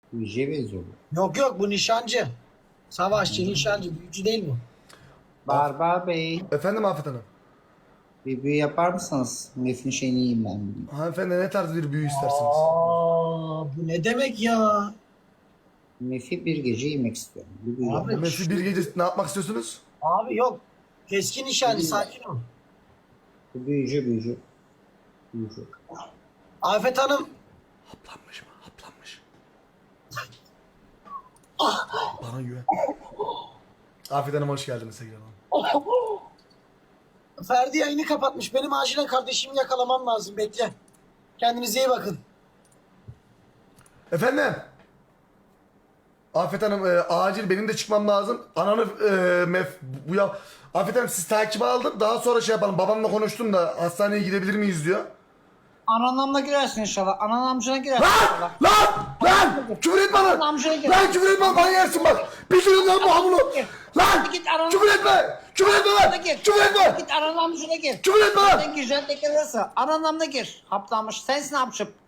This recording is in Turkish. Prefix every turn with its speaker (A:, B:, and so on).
A: Büyücüye benziyor bu.
B: Yok bu nişancı. Savaşçı, nişancı, büyücü değil bu.
A: Barbar Bey,
C: Efendim Afet Hanım.
A: bir büyü yapar mısınız? Nefin şeyini yiyeyim ben bugün.
C: Hanımefendi ne tarz bir büyü istersiniz?
B: Bu ne demek ya?
A: Nefi bir gece yemek istiyorum. Bir büyü
B: Abi,
A: yapar.
C: Messi bir gece ne yapmak istiyorsunuz?
B: Abi yok. Keskin nişancı, sakin ol.
A: Bu büyücü. Büyücü.
B: Afet Hanım.
C: Haplanmış mı? Haplanmış. Bana güven. Afet Hanım hoş geldiniz tekrardan.
B: Ferdi yayını kapatmış. Benim acilen kardeşimi yakalamam lazım. Bekle. Kendinize iyi bakın.
C: Efendim? Afet Hanım acil benim de çıkmam lazım. Ananı bu ya. Afet Hanım siz takibe aldım. Daha sonra şey yapalım. Babamla konuştum da hastaneye gidebilir miyiz diyor.
A: Ananamla girersin inşallah. Ananamcına girersin inşallah.
C: Lan! Küfür etme lan!
A: Anamcına gir.
C: Lan küfür etme bana yersin bak! Bitirin lan bu hamuru! Lan!
A: Git ananı-
C: Küfür etme! Küfür etme lan!
A: Gir.
C: Küfür etme!
A: Git ananamcına gir.
C: Küfür etme lan!
A: Sen gireceksin de girersin. Ananamla gir. Haplanmış. Sensin hapşıp.